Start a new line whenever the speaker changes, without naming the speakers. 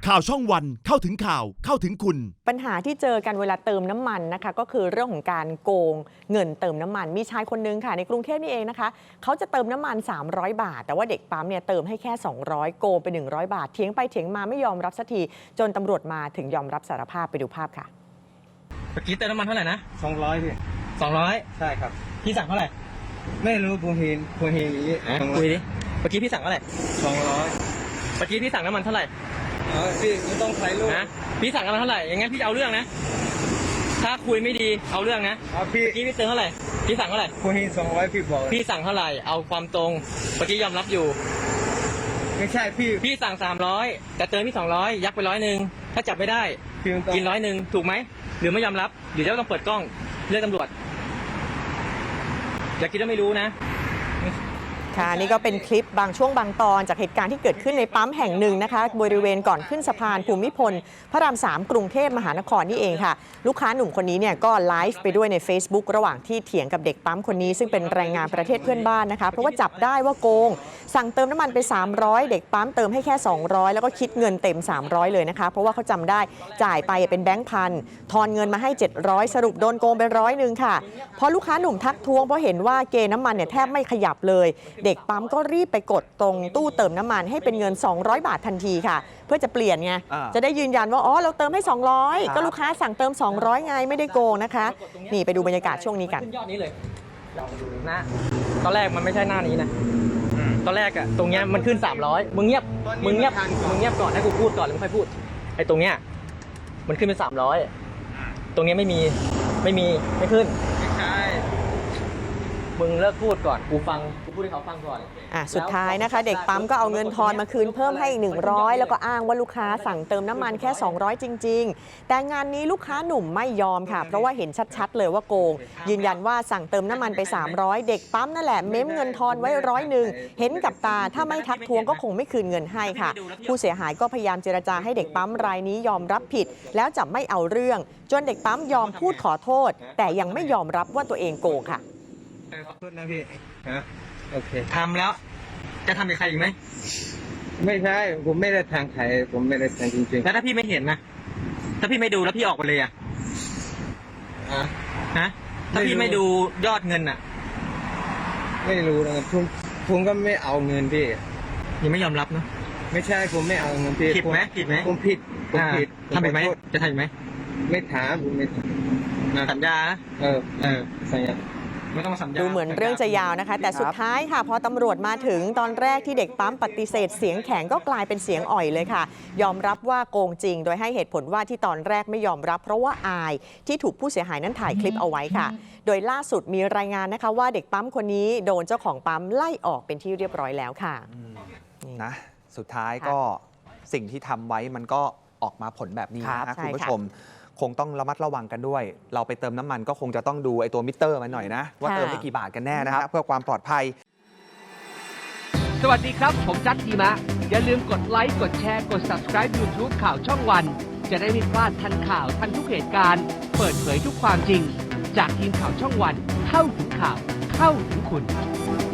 ข่าวช่องวันเข้าถึงข่าวเข้าถึงคุณ
ปัญหาที่เจอกันเวลาเติมน้ำมันนะคะก็คือเรื่องของการโกงเงินเติมน้ำมันมีชายคนนึงค่ะในกรุงเทพนี่เองนะคะเขาจะเติมน้ำมัน300 บาทแต่ว่าเด็กปั๊มเนี่ยเติมให้แค่200โกงไป100 บาทเถียงไปเถียงมาไม่ยอมรับสักทีจนตำรวจมาถึงยอมรับสารภาพไปดูภาพค่ะ
เมื่อกี้เติมน้ำมันเท่าไหร่นะ
200พี่
200
ใช่ครับ
พี่สั่งเท่าไหร่
ไม่รู้ผมเห็นอย่างนี้
คุยดิเมื่อกี้พี่สั่งเท่าไหร่
200
เมื่อกี้พี่สั่งน้ำมันเท่าไหร่
พี่ไม่ต้องใช้ลูก
นะพี่สั่งน้ำมันเท่าไหร่อย่างงั้นพี่จะเอาเรื่องนะถ้าคุยไม่ดีเอาเรื่องนะ
พี่
เมื่อกี้พี่เติมเท่าไหร่พี่สั่งเท่าไหร่
ผมเห็น200พี่บอก
พี่สั่งเท่าไหร่เอาความตรงเมื่อกี้ยอมรับอยู่
ไม่ใช่
พี่สั่ง300แต่เติมพี่200ยักไป100ถ้าจับไม่ได้กิน100ถูกไหมหรือไม่ยอมรับเดี๋ยวจะต้องเปิดกล้องเรียกตำรวจอย่าคิดว่าไม่รู้นะ
ค่ะนี่ก็เป็นคลิปบางช่วงบางตอนจากเหตุการณ์ที่เกิดขึ้นในปั๊มแห่งหนึ่งนะคะบริเวณก่อนขึ้นสะพานภูมิพลพระราม3กรุงเทพมหานครนี่เองค่ะลูกค้าหนุ่มคนนี้เนี่ยก็ไลฟ์ไปด้วยใน Facebook ระหว่างที่เถียงกับเด็กปั๊มคนนี้ซึ่งเป็นแรงงานประเทศเพื่อนบ้านนะคะเพราะว่าจับได้ว่าโกงสั่งเติมน้ำมันไป300เด็กปั๊มเติมให้แค่200แล้วก็คิดเงินเต็ม300เลยนะคะเพราะว่าเขาจำได้จ่ายไปเป็นแบงค์พันทอนเงินมาให้700สรุปโดนโกงไป100ค่ะพอลูกค้าหนุ่มทักท้วงเพราะเห็นว่าเกณฑ์น้ำมันเนี่ยแทบไม่ขยับเลยเด็กปั๊มก็รีบไปกดตรงตู้เติมน้ำมันให้เป็นเงิน200 บาททันทีค่ะเพื่อจะเปลี่ยนไงจะได้ยืนยันว่าอ๋อเราเติมให้200ก็ลูกค้าสั่งเติม200ไงไม่ได้โกงนะคะนี่ไปดูบรรยากาศช่วงนี้กัน
ยอดนี้เลยนะตอนแรกมันไม่ใช่หน้านี้นะตอนแรกอะตรงเนี้ยมันขึ้น300มึงเงียบก่อนให้กูพูดก่อนแล้วมึงค่อยพูดไอ้ตรงเนี้ยมันขึ้นเป็น300ตรงเนี้ยไม่ขึ้น
ไม่ใช่
มึงเลิกพูดก่อนกูพูดให้เขาฟังก่อน
สุดท้ายนะคะเด็กปั๊มก็เอาเงินทอนมาคืนเพิ่มให้อีก100แล้วก็อ้างว่าลูกค้าสั่งเติมน้ำมันแค่200จริงๆแต่งานนี้ลูกค้าหนุ่มไม่ยอมค่ะเพราะว่าเห็นชัดๆเลยว่าโกงยืนยันว่าสั่งเติมน้ำมันไป300เด็กปั๊มนั่นแหละเม้มเงินทอนไว้100เห็นกับตาถ้าไม่ทักทวงก็คงไม่คืนเงินให้ค่ะผู้เสียหายก็พยายามเจรจาให้เด็กปั๊มรายนี้ยอมรับผิดแล้วจะไม่เอาเรื่องจนเด็กปั๊มยอมพูดขอโทษแต่ยังไม่ยอมรับว่าตัวเองโกงค่ะ
ขอโทษนะพี่โอเค
ทำแล้วจะทำกับใครอีกไหม
ไม่ใช่ผมไม่ได้ทางใครผมไม่ได้ทางจริงๆ
แล้วถ้าพี่ไม่เห็นนะถ้าพี่ไม่ดูแล้วพี่ออกไปเลยถ้าพี่ไม่ดูยอดเงิน
ไม่รู้นะครับผมก็ไม่เอาเงินพี่
ยังไม่ยอมรับนะ
ไม่ใช่ผมไม่เอาเงินพี่
ผิดไหม
ผมผิด
ทำผิดไหมจะทำไหม
ไม่ถามผมไม่
สัญญา
สัญญา
ดูเหมือนเรื่องจะยาวนะคะแต่สุดท้ายค่ะพอตำรวจมาถึงตอนแรกที่เด็กปั๊มปฏิเสธเสียงแข็งก็กลายเป็นเสียงอ่อยเลยค่ะยอมรับว่าโกงจริงโดยให้เหตุผลว่าที่ตอนแรกไม่ยอมรับเพราะว่าอายที่ถูกผู้เสียหายนั้นถ่ายคลิปเอาไว้ค่ะโดยล่าสุดมีรายงานนะคะว่าเด็กปั๊มคนนี้โดนเจ้าของปั๊มไล่ออกเป็นที่เรียบร้อยแล้วค่ะ
นะสุดท้ายก็สิ่งที่ทำไว้มันก็ออกมาผลแบบนี้นะคุณผู้ชมคงต้องระมัดระวังกันด้วยเราไปเติมน้ำมันก็คงจะต้องดูไอ้ตัวมิเตอร์มันหน่อยนะว่าเติมไปกี่บาทกันแน่นะครับเพื่อความปลอดภัย
สวัสดีครับผมจัดทีมะอย่าลืมกดไลค์กดแชร์กด Subscribe YouTube ข่าวช่องวันจะได้ไม่พลาดทันข่าวทันทุกเหตุการณ์เปิดเผยทุกความจริงจากทีมข่าวช่องวันเข้าถึงข่าวเข้าถึงคุณ